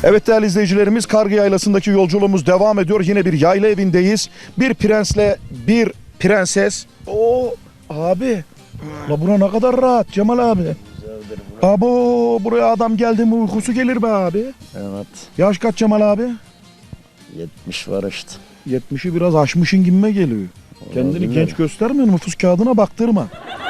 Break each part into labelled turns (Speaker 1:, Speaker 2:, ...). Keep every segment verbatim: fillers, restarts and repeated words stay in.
Speaker 1: Evet değerli izleyicilerimiz, Kargı Yaylası'ndaki yolculuğumuz devam ediyor. Yine bir yayla evindeyiz. Bir prensle bir prenses. Oo abi. La bura ne kadar rahat Cemal abi. Abo buraya adam geldi mi uykusu gelir be abi.
Speaker 2: Evet.
Speaker 1: Yaş kaç Cemal abi?
Speaker 2: yetmiş var işte.
Speaker 1: yetmişi biraz aşmışın gibime geliyor. Kendini
Speaker 2: Olabilir.
Speaker 1: genç göstermiyor, nüfus kağıdına baktırma.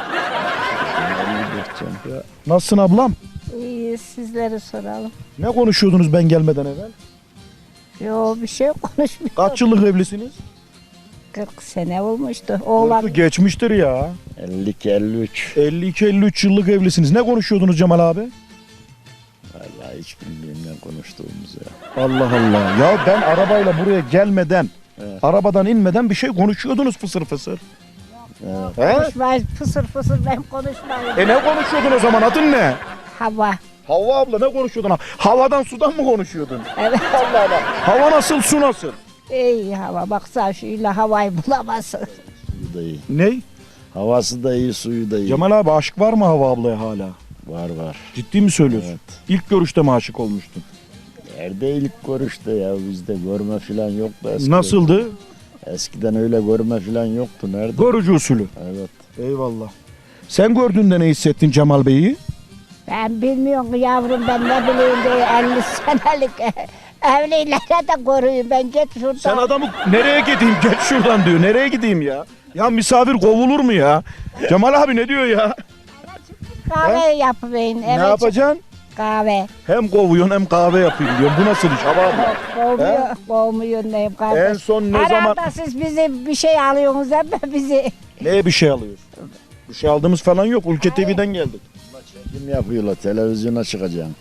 Speaker 1: Ya, nasılsın ablam?
Speaker 3: İyi, sizleri soralım.
Speaker 1: Ne konuşuyordunuz ben gelmeden evvel?
Speaker 3: Yo, bir şey konuşmuyor.
Speaker 1: Kaç yıllık evlisiniz?
Speaker 3: kırk sene olmuştu. Oğlan
Speaker 1: Geçmiştir ya.
Speaker 2: elli iki elli üç.
Speaker 1: elli iki elli üç yıllık evlisiniz. Ne konuşuyordunuz Cemal abi?
Speaker 2: Vallahi hiç bilmiyorum ne konuştuğumuz ya.
Speaker 1: Allah Allah. Ya ben arabayla buraya gelmeden,
Speaker 2: Evet.
Speaker 1: arabadan inmeden bir şey konuşuyordunuz fısır fısır.
Speaker 2: Evet.
Speaker 1: He?
Speaker 3: konuşmayız, fısır fısır ben konuşmayayım.
Speaker 1: E ne konuşuyordun o zaman, adın ne?
Speaker 3: Hava.
Speaker 1: Havva abla ne konuşuyordun? Havadan sudan mı konuşuyordun?
Speaker 3: Evet.
Speaker 1: Allah Allah. Hava nasıl, su nasıl?
Speaker 3: İyi hava. Baksana şuyla havayı bulamazsın.
Speaker 2: Suyu da iyi.
Speaker 1: Ney?
Speaker 2: Havası da iyi, suyu da iyi.
Speaker 1: Cemal abi aşk var mı Havva ablaya hala?
Speaker 2: Var var.
Speaker 1: Ciddi mi söylüyorsun?
Speaker 2: Evet.
Speaker 1: İlk görüşte mi aşık olmuştun?
Speaker 2: Nerede ilk görüşte ya, bizde görme falan yoktu eskiden.
Speaker 1: Nasıldı?
Speaker 2: Eskiden öyle görme falan yoktu. Nerede?
Speaker 1: Görücü usulü.
Speaker 2: Evet.
Speaker 1: Eyvallah. Sen gördüğünde ne hissettin Cemal Bey'i?
Speaker 3: Ben bilmiyorum yavrum, ben ne bileyim diye elli senelik evlilere de koruyun. Ben git şuradan.
Speaker 1: Sen adamı nereye gideyim, geç şuradan diyor. Nereye gideyim ya? Ya misafir kovulur mu ya? Cemal abi ne diyor ya?
Speaker 3: kahve yapıverin.
Speaker 1: Ne yapacaksın?
Speaker 3: Kahve.
Speaker 1: Hem kovuyorsun hem kahve yapayım diyor. Bu nasıl iş Havva abla?
Speaker 3: Kovmuyor, kovmuyor neyim kardeş.
Speaker 1: En son ne
Speaker 3: Herhalde
Speaker 1: zaman...
Speaker 3: siz bizi bir şey alıyorsunuz ama bizi.
Speaker 1: Neye bir şey alıyorsun? Bir şey aldığımız falan yok. Ülke T V'den geldik.
Speaker 2: Kim yapıyorlar? Televizyona çıkacaksın.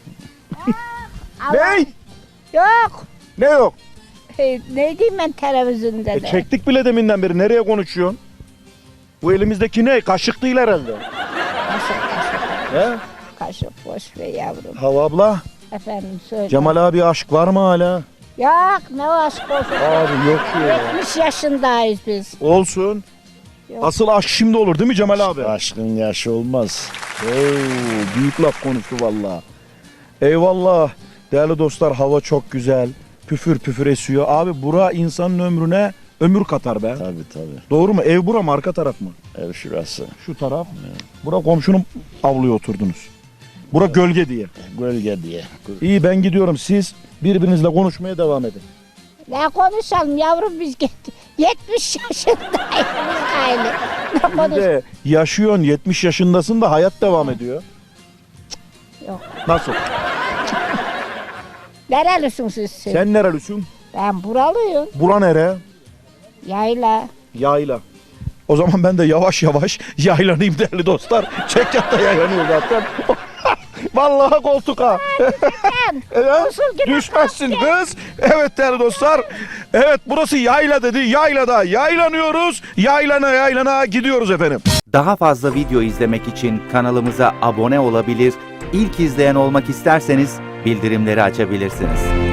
Speaker 1: Ne?
Speaker 3: Yok.
Speaker 1: Ne yok?
Speaker 3: E, ne diyeyim ben televizyonda
Speaker 1: E
Speaker 3: da.
Speaker 1: çektik bile deminden beri. Nereye konuşuyorsun? Bu elimizdeki ne? Kaşık değil herhalde.
Speaker 3: Kaşık kaşık.
Speaker 1: He?
Speaker 3: Kaşık boş ver yavrum.
Speaker 1: Havva abla,
Speaker 3: Efendim söyle.
Speaker 1: Cemal abi aşk var mı hala?
Speaker 3: Yok ne aşk olsun.
Speaker 1: Abi yok diyor ya.
Speaker 3: yetmiş yaşındayız biz.
Speaker 1: Olsun.
Speaker 3: Yok.
Speaker 1: Asıl aşk şimdi olur değil mi Cemal abi?
Speaker 2: Aşkın yaşı olmaz.
Speaker 1: Oo, büyük laf konuştu valla. Eyvallah. Değerli dostlar, hava çok güzel. Püfür püfür esiyor. Abi bura insanın ömrüne ömür katar be.
Speaker 2: Tabii tabii.
Speaker 1: Doğru mu? Ev bura mı, arka taraf mı?
Speaker 2: Ev şurası.
Speaker 1: Şu taraf. Bura komşunun avluya oturdunuz. Bura gölge diye.
Speaker 2: Gölge diye.
Speaker 1: İyi, ben gidiyorum. Siz birbirinizle konuşmaya devam edin.
Speaker 3: Ne konuşalım yavrum, biz git. yetmiş yaşındayız biz aile. Ne
Speaker 1: Bir
Speaker 3: konuş?
Speaker 1: de yaşıyorsun, yetmiş yaşındasın da hayat devam ediyor.
Speaker 3: Yok.
Speaker 1: Nasıl?
Speaker 3: Nerelisin siz? siz?
Speaker 1: Sen nerelisin?
Speaker 3: Ben buralıyım.
Speaker 1: Bura nere?
Speaker 3: Yayla.
Speaker 1: Yayla. O zaman ben de yavaş yavaş yaylanayım değerli dostlar. Çekyatta yaylanıyor zaten. Vallahi koltuk ha. Evet,
Speaker 3: Usul gibi
Speaker 1: düşmezsin kız. Evet değerli dostlar. Evet, burası yayla dedi. Yaylada yaylanıyoruz. Yaylana yaylana gidiyoruz efendim.
Speaker 4: Daha fazla video izlemek için kanalımıza abone olabilir, ilk izleyen olmak isterseniz bildirimleri açabilirsiniz.